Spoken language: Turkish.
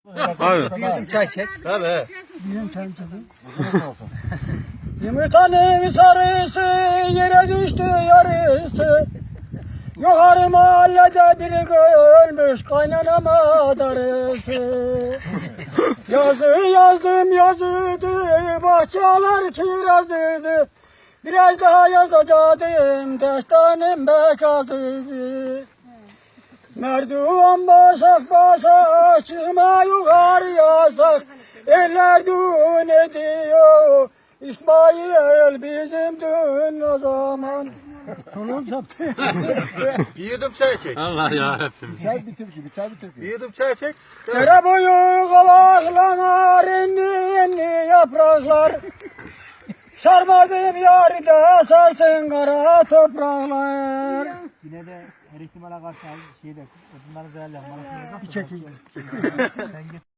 Hayır. Bir çay çek. Tabii. Bir çay çek. Yumurtanın sarısı yere düştü yarısı. Yukarı mahallede biri ölmüş kaynanama darısı. Yazı yazdım yazıydı, bahçeler kirazıydı. Biraz daha yazacaktım, destanım bekazıydı. Merdiven basak basak, çıkma yukarı yasak. Eller düğün ediyor, İsmail bizim düğün o zaman. Tolun zaptı. Bir yudum çay çek. Allah yarabbim. Çay bitir ki, bir çay bitir ki. Bir yudum çay çek. Dere boyu kavaklar, inni yapraklar. Sarmadım yarıda sarsın kara topraklar. Yine de her ihtimale karşı şeyde, bunları değerlendirmek. Bir çekeyim. Sen git.